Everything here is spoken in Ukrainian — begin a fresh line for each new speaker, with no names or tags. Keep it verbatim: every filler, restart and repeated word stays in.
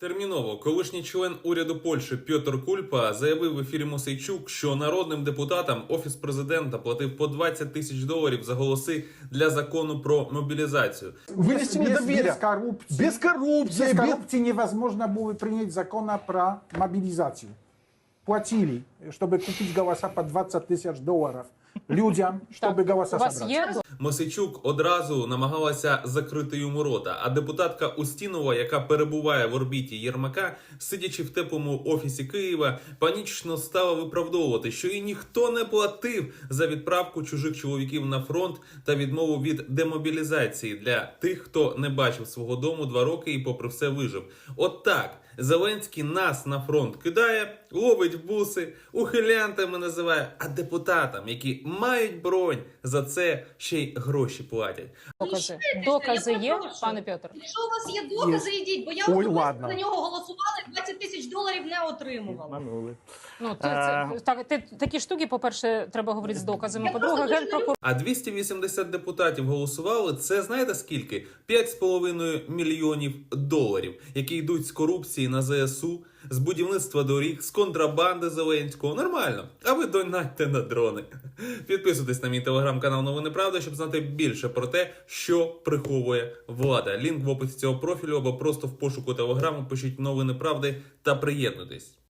Терміново колишній член уряду Польщі Пьотр Кульпа заявив в ефірі Мосейчук, що народним депутатам Офіс президента платив по двадцять тисяч доларів за голоси для закону про мобілізацію.
Вынести
без,
недоверие.
без коррупции.
Без коррупции.
Без
без-
коррупции невозможно было принять закона про мобилизацию. Платили, чтобы купить голоса по двадцать тысяч долларов людям, чтобы голоса
У вас
собрать.
є
Мосейчук одразу намагалася закрити йому рота, а депутатка Устінова, яка перебуває в орбіті Єрмака, сидячи в теплому офісі Києва, панічно стала виправдовувати, що їй ніхто не платив за відправку чужих чоловіків на фронт та відмову від демобілізації для тих, хто не бачив свого дому два роки і попри все вижив. От так Зеленський нас на фронт кидає, ловить в буси, ухилянтами називає, а депутатам, які мають бронь, за це ще й гроші платять.
докази?
Я
Докази є,
перепрошую.
пане Петр?
Якщо у вас є докази, йдіть, бо я
Ой,
особисто
ладно.
за нього голосувала і двадцять тисяч доларів не отримувала.
Обманули.
Ну, то,
Е.
це, так, ти, такі штуки, по-перше, треба говорити з доказами.
Я
По-друге,
просто дуже
генпрокурор
А двісті вісімдесят депутатів голосували, це знаєте скільки? п'ять з половиною мільйонів доларів, які йдуть з корупції на зе ес у, з будівництва доріг, з контрабанди Зеленського. Нормально. А ви донатьте на дрони. Підписуйтесь на мій телеграм-канал Новини Правда, щоб знати більше про те, що приховує влада. Лінк в описі цього профілю або просто в пошуку телеграму пишіть Новини Правди та приєднуйтесь.